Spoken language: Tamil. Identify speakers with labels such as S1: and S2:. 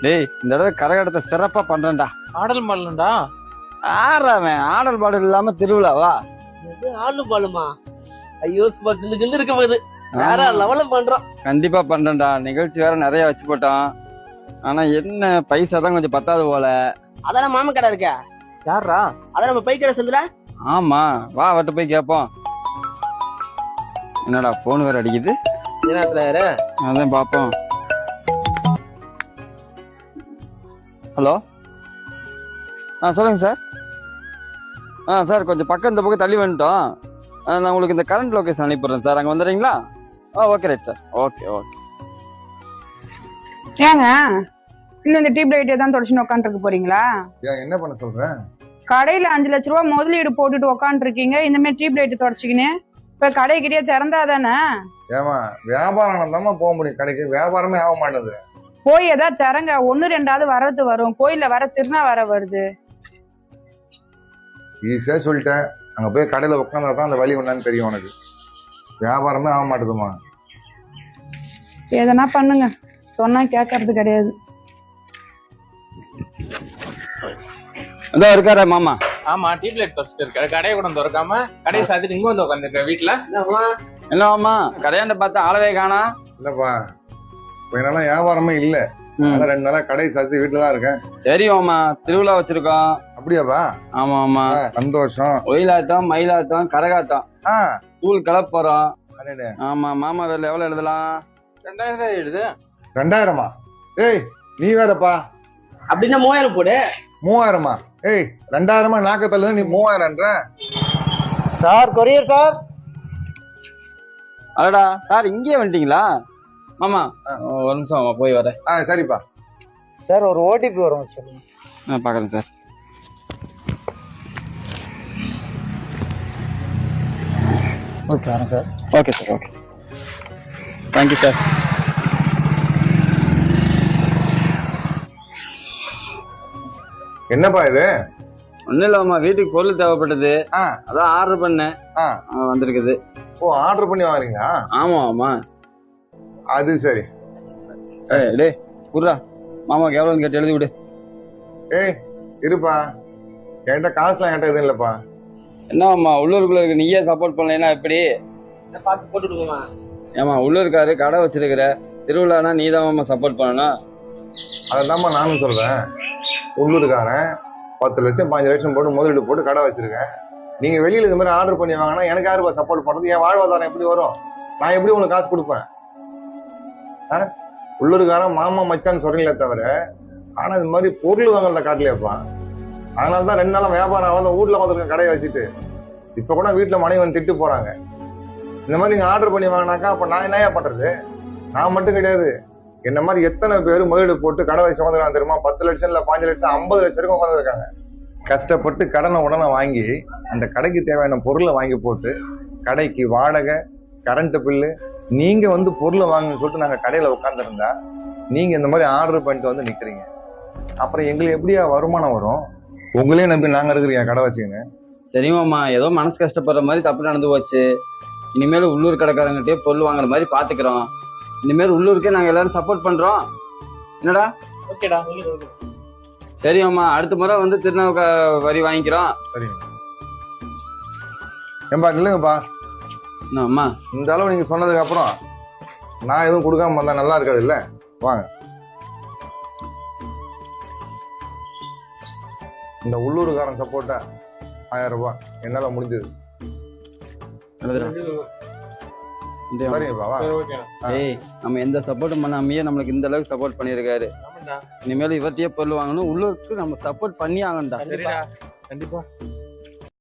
S1: டேய் இந்த தடவை கரகாட்டத்தை சிறப்பா பண்றேன்டா.
S2: ஆடல் மாடலண்டா.
S1: ஆறாவன் ஆடல் பாடல் இல்லாம திருவிழாவா?
S3: ஆடல் பாடுமா? ஐயோ சும்மா கிண்டு கிண்டு இருக்க போகுது. வேற லெவல்ல பண்றோம்.
S1: கண்டிப்பா பண்றேன்டா. நிகழ்ச்சி வேற நிறைய வச்சு போட்டோம். ஆனா என்ன பைசா தான் கொஞ்சம் பத்தாது போல.
S3: அதான் மாமா கடை இருக்கா?
S2: யாரா?
S3: அதான் நம்ம பை கடை சந்தில.
S1: ஆமா வா வட்டு போய் கேப்போம். என்னடா போன் வேற அடிக்குது. அதான் பாப்போம். ஹலோ சொல்லுங்க சார். சார் கொஞ்சம் பக்கம் இந்த பக்கம் தள்ளி வந்துட்டோம். நான் உங்களுக்கு இந்த கரண்ட் லொகேஷன் அனுப்பிடுறேன் சார். அங்கே வந்துடுறீங்களா? Okay right sir. Okay okay.
S4: ஏங்க இன்னும் இந்த டியூப் லைட்டே தான் தொடச்சுன்னு உட்காந்துருக்க போறீங்களா?
S5: என்ன பண்ண சொல்றேன்?
S4: கடையில 5 லட்ச ரூபா முதலீடு போட்டுட்டு உட்காந்துருக்கீங்க. இந்த மாதிரி டியூப் லைட் தொடச்சிக்கின்னு இப்ப கடைக்கிட்டே திறந்தாதானே?
S5: ஏமா வியாபாரம் தானே போக முடியும், கடைக்கு வியாபாரமே ஆக மாட்டேது.
S4: போய் ஏதாவது திறங்க, 1 2 வர்றது வரும். கோயில்ல வர திருநா வர வருது.
S5: ஈஸியா சொல்லிட்டேன். அங்க போய் கடையில உட்காந்தா தான் அந்த வழி என்னன்னு தெரியும் உனக்கு. வியாபாரமே ஆக மாட்டேதுமா.
S4: எதனா பண்ணுங்க, சொன்னா கேட்கறது கிடையாது.
S1: இருக்காரா மாமா?
S2: ஆமா டியூப் லைட் தொடச்சிட்டு இருக்காரு. கடையை கூட திறக்காம கடையை சாத்திட்டு இங்க வந்து உட்காந்துருக்க வீட்டுல.
S1: என்ன மாமா கடையாண்ட பார்த்து ஆளவே காணா?
S5: இல்லப்பா கொஞ்ச நாளா வியாபாரமே இல்ல. 2 நாளா கடை சாத்தி வீட்டுல தான் இருக்கேன்.
S1: தெரியுமாமா திருவிழா வச்சிருக்கோம்.
S5: அப்படியாப்பா?
S1: ஆமா ஆமா
S5: சந்தோஷம்.
S1: ஒயிலாட்டம் மயிலாட்டம் கரகாட்டம் ஸ்கூல் கிளப்ப போறோம். ஆமா மாமா வேலை எவ்வளவு எழுதலாம்?
S2: 2000 எழுது.
S5: 2000மா? ஏய் நீ வேறப்பா.
S3: அப்படின்னா 3000 போடு.
S5: 3000மா? ஏய் 2000மா நாக்கத்தல்ல நீ 3000ன்ற
S3: சார். Courier sir.
S1: அடடா சார் இங்கே வந்துட்டீங்களா? மாமா ஒரு நிமிஷம் மாமா போய் வரேன்.
S5: சரிப்பா.
S3: சார் ஒரு ஓடிபி வரும் சொல்லுங்க.
S1: நான் பாக்குறேன் சார்.
S3: ஓகே வரேன் sir.
S1: Okay sir. Okay thank you sir.
S5: என்னப்பா இது?
S1: ஒன்னும் இல்லம்மா வீட்டுக்கு பொருள் தேவைப்பட்டது. அதான் ஆர்டர் பண்ணேன். வந்திருக்குது.
S5: ஓ ஆர்டர் பண்ணி வாங்குறீங்களா?
S1: ஆமா ஆமா.
S5: அது சரி.
S1: டேய் குர்ரா மாமாக்கு எவ்வளவுன்னு கேட்டு எழுதி விடு.
S5: ஏய் இருப்பா, என்கிட்ட காசுலாம் என்கிட்ட எதுவும் இல்லப்பா.
S1: என்னம்மா உள்ளூருக்குள்ள இருக்கு, நீயே சப்போர்ட் பண்ணலைன்னா எப்படி?
S3: பார்த்து போட்டுடுவோமா?
S1: ஏமா உள்ளூர்காரு கடை வச்சிருக்கிற, திருவிழானா நீ தான் சப்போர்ட் பண்ணணும்.
S5: அதைதாம்மா நானும் சொல்றேன். உள்ளூர்காரன் 10 லட்சம் 5 லட்சம் போட்டு முதலீடு போட்டு கடை வச்சிருக்கேன். நீங்க வெளியில இது மாதிரி ஆர்டர் பண்ணி வாங்கினா எனக்கு யாருப்பா சப்போர்ட் பண்றது? என் வாழ்வாதாரம் எப்படி வரும்? நான் எப்படி உங்களுக்கு காசு கொடுப்பேன்? உள்ளூர்காரன் மாமா மச்சான்னு சொல்றீங்களே தவிர, ஆனா இது மாதிரி பொருள் வாங்கல காட்டலையாப்பா. அதனாலதான் 2 நாளா வியாபாரம் ஆகாத வீட்டுல வந்துருக்கேன் கடையை வச்சுட்டு. இப்ப கூட வீட்டுல மனைவி வந்து திட்டு போறாங்க. இந்த மாதிரி நீங்க ஆர்டர் பண்ணி வாங்கினாக்கா அப்ப நான் என்னையா பண்றது? நான் மட்டும் கிடையாது, என்ன மாதிரி எத்தனை பேர் முதலீடு போட்டு கடை வச்சு உட்காந்துருக்காங்க தெரியுமா? 10 லட்சம் இல்ல 5 லட்சம் 50 லட்சம் வரைக்கும் உட்காந்துருக்காங்க. கஷ்டப்பட்டு கடனை உடனே வாங்கி அந்த கடைக்கு தேவையான பொருளை வாங்கி போட்டு கடைக்கு வாடகை, கரண்ட் பில்லு, நீங்க வந்து பொருளை வாங்கன்னு சொல்லிட்டு நாங்க கடையில உட்காந்துருந்தா நீங்க இந்த மாதிரி ஆர்டர் பண்ணிட்டு வந்து நிக்கிறீங்க. அப்புறம் எங்களுக்கு எப்படியா வருமானம் வரும்? உங்களே நம்பி நாங்க இருக்கிறீங்க கடை வச்சுக்கோங்க.
S1: சரிமாம்மா ஏதோ மனசு கஷ்டப்படுற மாதிரி தப்பு நடந்து போச்சு. இனிமேல் உள்ளூர் கடைக்காரங்கிட்டே பொருள் வாங்குற மாதிரி பாத்துக்கிறோம். இனிமேல் உள்ளூருக்கே நாங்க எல்லாரும் சப்போர்ட் பண்றோம். என்னடா?
S3: ஓகேடா.
S1: சரிம்மா அடுத்த முறை வந்து திருநாவுக்கு வரி வாங்கிக்கிறோம்.
S5: சரிங்க. ஏன்பா இல்லைங்கப்பா,
S1: அம்மா
S5: இந்த அளவு நீங்க சொன்னதுக்கு அப்புறம் நான் எதுவும் கொடுக்காம வந்தா நல்லா இருக்காது இல்ல? வாங்க. இந்த உள்ளூர்காரன் சப்போர்ட்டா 1000 ரூபாய் என்னால முடிஞ்சது. சரிங்கப்பா வா.
S1: ஏய் நம்ம எந்த சப்போர்ட்டும் பண்ணாமையே நம்மளுக்கு இந்த அளவுக்கு சப்போர்ட் பண்ணியிருக்காரு. இனிமேல் இவர்த்தையே பொருள் வாங்கணும். உள்ளூருக்கு நம்ம சப்போர்ட் பண்ணி ஆகணும்டா.
S2: கண்டிப்பா.